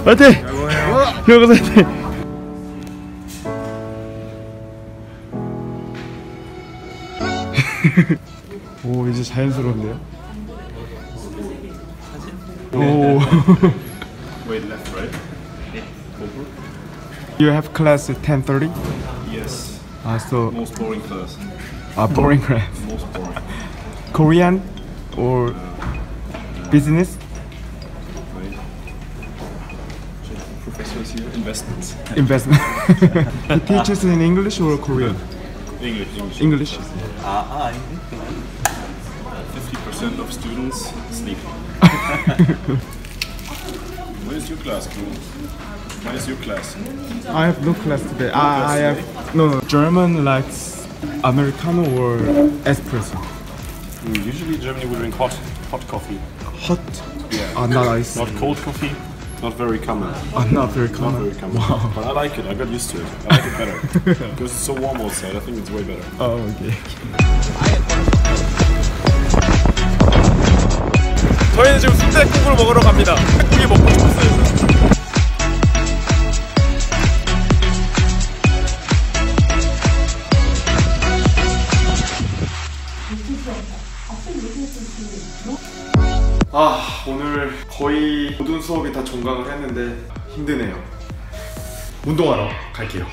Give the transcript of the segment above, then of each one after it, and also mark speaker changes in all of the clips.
Speaker 1: 화이팅! 기억하세요. 화이팅! 오, 이제 자연스러운데요? 오.
Speaker 2: Wait, left, right? Over?
Speaker 1: You have class at 10:30?
Speaker 2: Yes.
Speaker 1: So
Speaker 2: Most boring class.
Speaker 1: boring class.
Speaker 2: Most boring.
Speaker 1: Korean or business?
Speaker 2: Right. Check the professors here. Investments.
Speaker 1: Investment. He teaches in English or Korean?
Speaker 2: English.
Speaker 1: English.
Speaker 2: 50% of students sleep. When is your class, bro? When is your class?
Speaker 1: I have no class today. I have no. German likes Americano or espresso.
Speaker 2: Usually Germany we drink hot coffee.
Speaker 1: Hot.
Speaker 2: Yeah.
Speaker 1: Not ice.
Speaker 2: Not cold coffee. Not very common.
Speaker 1: Not very
Speaker 2: Not
Speaker 1: common.
Speaker 2: very common.
Speaker 1: Wow.
Speaker 2: But I like it. I got used to it. I like it better because it's so warm outside. I think it's way better.
Speaker 1: Oh, okay.
Speaker 3: 저희는 지금 순댓국을 먹으러 갑니다. 순댓국이 먹고 싶었어요.
Speaker 1: 오늘 거의 모든 수업이 다 종강을 했는데 힘드네요. 운동하러 갈게요.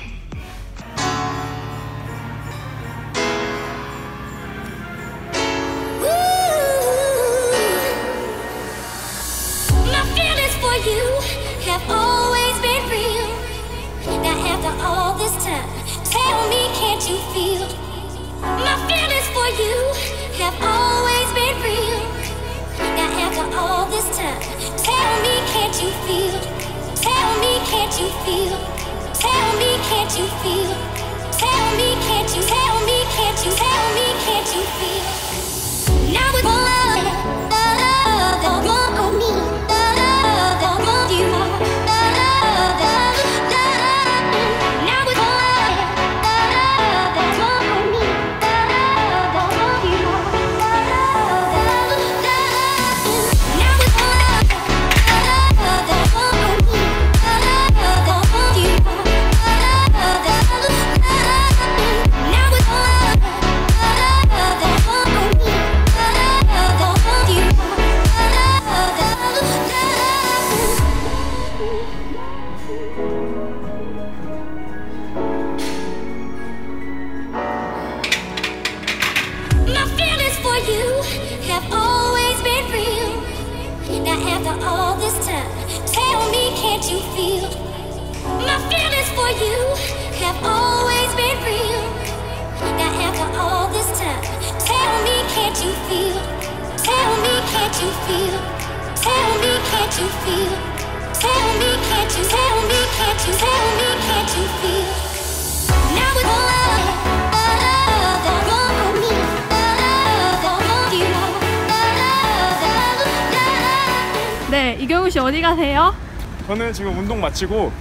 Speaker 4: 네, 이경우 씨 어디 가세요?
Speaker 1: 저는 지금 운동 마치고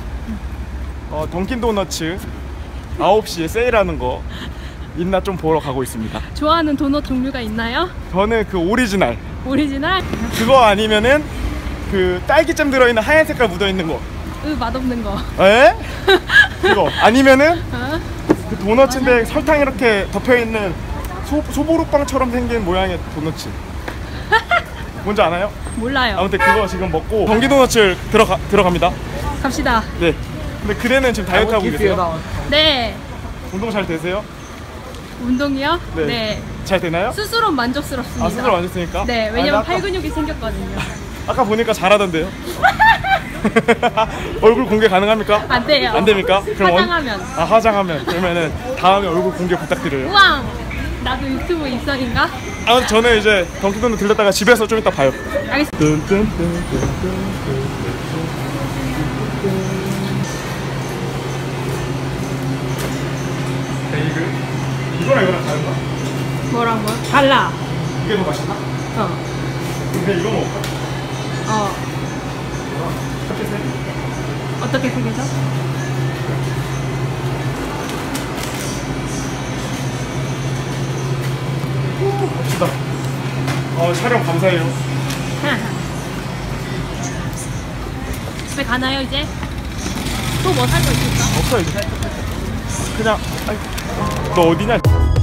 Speaker 1: 던킨도너츠 9시에 세일하는 거 있나 좀 보러 가고 있습니다.
Speaker 4: 좋아하는 도넛 종류가 있나요?
Speaker 1: 저는 그 오리지널.
Speaker 4: 오리지널?
Speaker 1: 그거 아니면은 그 딸기잼 들어있는 하얀 색깔 묻어있는 거.
Speaker 4: 맛없는 거.
Speaker 1: 에? 그거 아니면은
Speaker 4: 어?
Speaker 1: 그 도넛인데 설탕 이렇게 덮여있는 소보루빵처럼 생긴 모양의 도넛. 뭔지 아나요?
Speaker 4: 몰라요.
Speaker 1: 아무튼 그거 지금 먹고 던킨도너츠 들어갑니다.
Speaker 4: 갑시다.
Speaker 1: 네. 근데 그대는 지금 다이어트 하고 계세요?
Speaker 4: 네.
Speaker 1: 운동 잘 되세요?
Speaker 4: 운동이요?
Speaker 1: 네.
Speaker 4: 네.
Speaker 1: 잘 되나요?
Speaker 4: 스스로 만족스럽습니다.
Speaker 1: 스스로 만족스니까?
Speaker 4: 네, 왜냐면 팔 근육이 생겼거든요.
Speaker 1: 아까 보니까 잘하던데요? 얼굴 공개 가능합니까?
Speaker 4: 안 돼요.
Speaker 1: 안 됩니까? 그럼
Speaker 4: 화장하면.
Speaker 1: 화장하면. 그러면은 다음에 얼굴 공개 부탁드려요.
Speaker 4: 우왕! 나도 유튜브 입성인가?
Speaker 1: 저는 이제 던킨도넛 들렸다가 집에서 좀 이따 봐요.
Speaker 4: 알겠습니다.
Speaker 1: 베이글? 이거랑 이거랑 다른가?
Speaker 4: 뭐랑 뭐? 달라.
Speaker 1: 이게 더 맛있나? 근데 이거 먹을까? 이렇게 세?
Speaker 4: 어떻게 생겨서?
Speaker 1: 갑시다. 촬영 감사해요.
Speaker 4: 집에 가나요 이제? 또 뭐 살 거 있을까?
Speaker 3: 없어 이제 그냥 아이, 너 어디냐?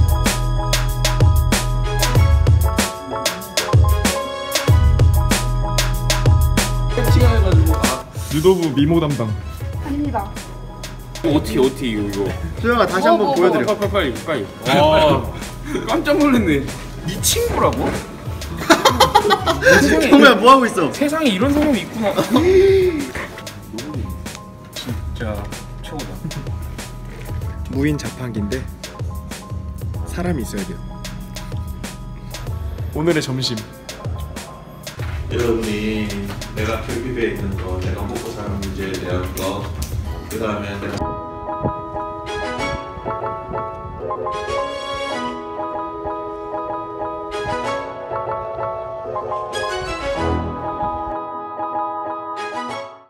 Speaker 1: 유도부 미모 담당.
Speaker 4: 아닙니다.
Speaker 5: 어떻게 이거
Speaker 1: 수영아 다시 한번 보여드려.
Speaker 5: 빨리 와 깜짝 놀랐네. 네 친구라고?
Speaker 1: 형아 뭐 하고 있어?
Speaker 5: 세상에 이런 사람이 있구나. 진짜 최고다.
Speaker 1: 무인 자판기인데 사람이 있어야 돼요. 오늘의 점심.
Speaker 6: 여러분이 내가 결핍에 있는 거, 내가 먹고 사는 문제에 대한 거, 그 다음에 내가